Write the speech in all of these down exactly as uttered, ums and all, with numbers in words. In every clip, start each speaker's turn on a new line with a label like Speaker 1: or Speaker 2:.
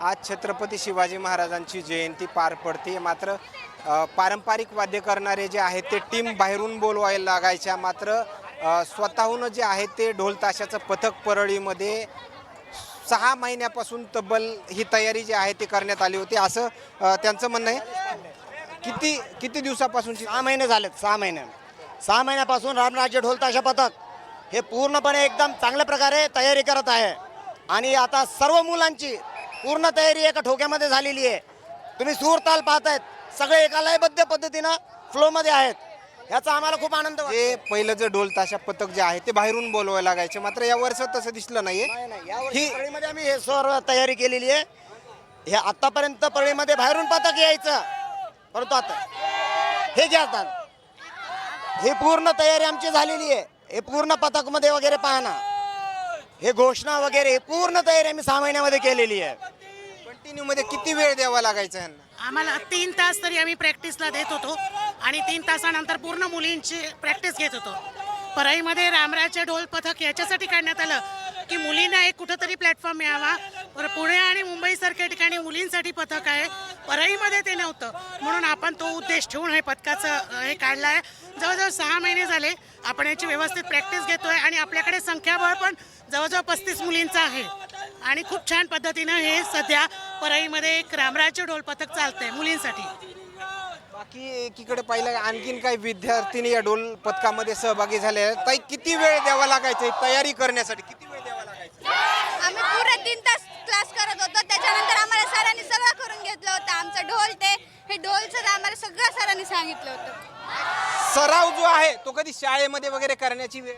Speaker 1: आज छत्रपती शिवाजी महाराजांची जयंती पार पडते। मात्र अ, पारंपरिक वाद्य करणारे जे आहेत ते टीम बाहेरून बोलवायला लागायच्या। मात्र अ, स्वतःहून जे आहे ते ढोल ताशाचं पथक परळीमध्ये सहा महिन्यापासून तब्बल ही तयारी जी आहे ती करण्यात आली होती असं अ, त्यांचं म्हणणं आहे। किती किती दिवसापासूनची?
Speaker 2: सहा महिने झालेत सहा महिने सहा महिन्यापासून रामराज्य ढोल ताशा पथक हे पूर्णपणे एकदम चांगल्या प्रकारे तयारी करत आहे आणि आता सर्व मुलांची पूर्ण तयारी एका ठोक्यामध्ये झालेली आहे। तुम्ही सूर ताल पाहतायत, सगळे एका लयबद्ध पद्धतीनं फ्लोमध्ये आहेत, याचा आम्हाला खूप आनंद वाटतो।
Speaker 1: जे पहिलं जे ढोल ताशा पथक जे आहे ते बाहेरून बोलवायला लागायचे, मात्र या वर्षात तसं दिसलं नाहीये।
Speaker 2: ही परळीमध्ये आम्ही हे सर्व तयारी केलेली आहे। हे आतापर्यंत परळीमध्ये बाहेरून पथक यायचं, परंतु आता हे घ्या आता हे पूर्ण तयारी आमची झालेली आहे। हे पूर्ण पथकमध्ये वगैरे पाहना, हे घोषणा वगैरे हे पूर्ण तयारी आम्ही सहा महिन्यामध्ये केलेली आहे।
Speaker 1: कंटिन्यू मध्ये किती वेळ द्यावा लागायचा यांना?
Speaker 3: आम्हाला तीन तास तरी आम्ही प्रॅक्टिसला देत होतो आणि तीन तासानंतर पूर्ण मुलींची प्रॅक्टिस घेत होतो। परळीमध्ये रामराज्य ढोल पथक याच्यासाठी काढण्यात आलं की मुलींना एक कुठंतरी प्लॅटफॉर्म मिळावा। पर पुणे आणि मुंबईसारख्या ठिकाणी मुलींसाठी पथक आहे, परळीमध्ये ते नव्हतं, म्हणून आपण तो उद्देश ठेवून हे पथकाचं हे काढलं आहे। जवळजवळ सहा महिने झाले आपण याची व्यवस्थित प्रॅक्टिस घेतोय आणि आपल्याकडे संख्याबळ पण जवळजवळ पस्तीस मुलींचं आहे आणि खूप छान पद्धतीनं हे सध्या परळीमध्ये एक रामराज्य ढोल पथक चालतंय मुलींसाठी।
Speaker 1: बाकी एकीकडे पाहिलं आणखीन काही विद्यार्थिनी या ढोल पथकामध्ये सहभागी झाले आहेत। ताई, किती वेळ द्यावा लागायचा तयारी करण्यासाठी? किती वेळ द्यावा लागायचा?
Speaker 4: आम्ही पुरे तीन तास क्लास करत होतो, त्याच्यानंतर आम्हाला सरांनी सगळं करून घेतलं होतं। आमचं ढोल ते हे ढोलचं आम्हाला सगळं सरांनी सांगितलं होतं।
Speaker 1: सराव जो आहे तो कधी शाळेमध्ये वगैरे करण्याची वेळ?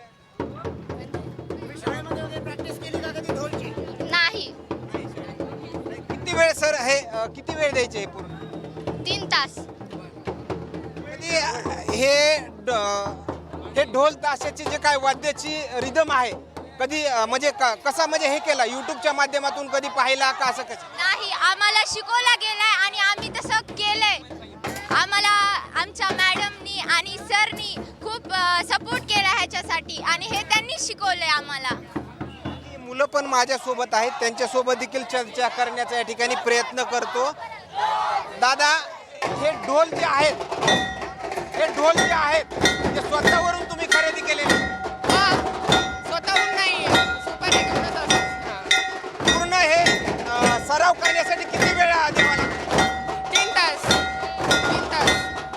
Speaker 2: प्रॅक्टिस केली का कधी ढोलची?
Speaker 4: नाही,
Speaker 1: किती वेळ सर हे अ, किती वेळ द्यायचे हे पूर्ण?
Speaker 4: तीन तास
Speaker 1: कधी हे ड- हे ढोल ताशाची जे काय वाद्याची रिदम आहे कधी अ, म्हणजे क- कसा म्हणजे हे केला युट्यूबच्या माध्यमातून कधी पाहिला का असं कसं?
Speaker 4: नाही, आम्हाला शिकवला गेलाय आणि आम्ही तसं केलंय। आम्हाला आमच्या मॅडमनी आणि सरनी खूप सपोर्ट केला ह्याच्यासाठी आणि हे त्यांनी शिकवलंय आम्हाला।
Speaker 1: ही मुलं पण माझ्यासोबत आहेत, त्यांच्यासोबत देखील चर्चा करण्याचा या ठिकाणी प्रयत्न करतो। दादा, हे ढोल जे आहेत हे ढोल जे आहेत ते स्वतःवरून तुम्ही खरेदी केलेले?
Speaker 5: स्वतःहून नाही, सुपारी घेऊनच असतो।
Speaker 1: पूर्ण हे अ, सराव करण्यासाठी किती वेळ द्यावा लागतो?
Speaker 5: तीन तास तीन तास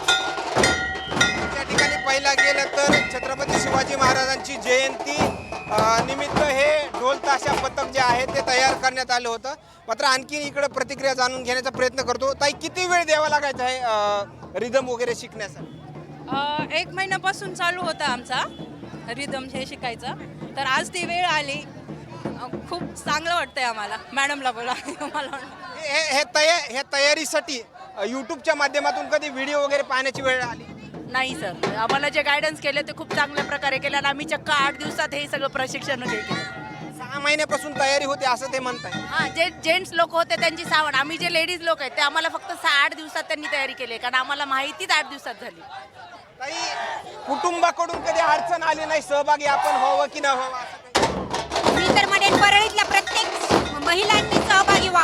Speaker 1: त्या ठिकाणी पाहिला गेलं तर छत्रपती शिवाजी महाराजांची जयंती अ, निमित्त हे ढोल ताशा पथक जे आहे ते तयार करण्यात आलं होतं। मात्र आणखी इकडे प्रतिक्रिया जाणून घेण्याचा प्रयत्न करतो। ताई, किती वेळ द्यावा लागायचा आहे रिदम वगैरे शिकण्यासाठी?
Speaker 6: अ, एक महिन्यापासून चालू होता आमचा रिदम हे शिकायचं, तर आज ती वेळ आली। अ, खूप चांगलं वाटतंय आम्हाला, मॅडमला बोला मला
Speaker 1: हे हे तया हे तयारीसाठी अ, यूट्यूबच्या माध्यमातून कधी व्हिडिओ वगैरे पाहण्याची वेळ आली?
Speaker 6: नाही सर, आम्हाला जे गायडन्स केले ते खूप चांगल्या प्रकारे केलं आणि आम्ही चक्क आठ दिवसात हे सगळं प्रशिक्षण हे केलं।
Speaker 1: सहा महिन्यापासून तयारी होते असं ते म्हणताय?
Speaker 6: हां, जे जेंट्स लोक होते त्यांची सावण, आम्ही जे लेडीज लोक आहेत ते आम्हाला फक्त सहा आठ दिवसात त्यांनी तयारी केली आहे, कारण आम्हाला माहितीच आठ दिवसात झाली।
Speaker 1: ताई, कुटुंबाकडून कधी अडचण आली नाही सहभागी आपण व्हावं की न व्हावं असं काही?
Speaker 7: मी तर म्हणेन परळीतल्या प्रत्येक महिलांनी सहभागी